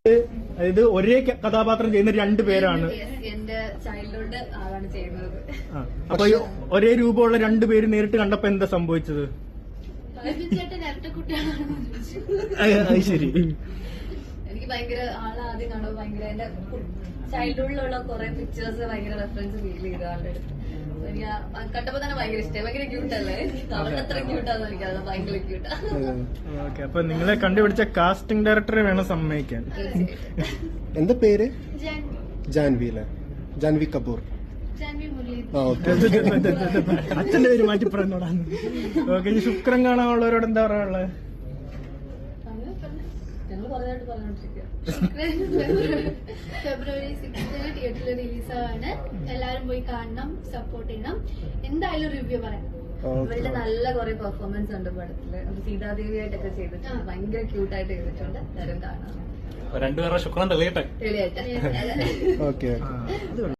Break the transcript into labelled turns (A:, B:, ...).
A: അതായത് ഒരേ കഥാപാത്രം ചെയ്യുന്ന രണ്ടുപേരാണ്.
B: എന്റെ ചൈൽഡ്ഹുഡ് ആളാണ് ചെയ്യുന്നത്.
A: അപ്പൊ ഒരേ രൂപമുള്ള രണ്ടുപേര് നേരിട്ട് കണ്ടപ്പോ എന്താ സംഭവിച്ചത്?
B: ചേട്ടൻ ഇരട്ട കുട്ടികളാണെന്ന് ചോദിച്ചു.
A: അത് ശരി.
B: എനിക്ക് ഭയങ്കര ആളെ ആദ്യം കാണുമ്പോൾ ഭയങ്കര എന്റെ ചൈൽഡ്ഹുഡിലുള്ള കുറെ പിക്ചേഴ്സ് ഭയങ്കര റെഫറൻസ് ഫീൽ ചെയ്തു ആളുടെ അടുത്ത്. എനിക്ക് കണ്ടപ്പോ തന്നെ ഭയങ്കര ഇഷ്ടമായി. ഭയങ്കര ക്യൂട്ടല്ലേ? അവരുടെ അത്ര ക്യൂട്ടാന്ന് എനിക്കത് ഭയങ്കര ക്യൂട്ടാ.
A: ഓക്കെ, അപ്പൊ നിങ്ങളെ കണ്ടുപിടിച്ച കാസ്റ്റിംഗ് ഡയറക്ടറെ വേണം സമ്മതിക്കാൻ.
C: എന്താ പേര്? ജാൻവി അല്ലേ? ജാൻവി കപൂർ.
A: അച്ഛന്റെ പേര് മാറ്റി പറഞ്ഞോടാന്ന്. ഓക്കെ, ഈ ശുക്രൻ കാണാനുള്ളവരോട് എന്താ പറയാനുള്ളത്?
D: ഫെബ്രുവരി 6 തിയേറ്ററിൽ റിലീസാണ്. എല്ലാരും പോയി കാണണം, സപ്പോർട്ട് ചെയ്യണം. എന്തായാലും റിവ്യൂ പറയാം.
B: ഇവരുടെ നല്ല കുറെ പെർഫോമൻസ് ഉണ്ട് പടത്തില്. സീതാദേവി ആയിട്ടൊക്കെ ചെയ്തിട്ടുണ്ട്. ഭയങ്കര ക്യൂട്ടായിട്ട് ചെയ്തിട്ടുണ്ട്. എല്ലാവരും കാണാം.
E: രണ്ടുപേരുടെ ശുക്രൻ തെളിയട്ടെ.
B: തെളിയായിട്ട്.
C: ഓക്കെ.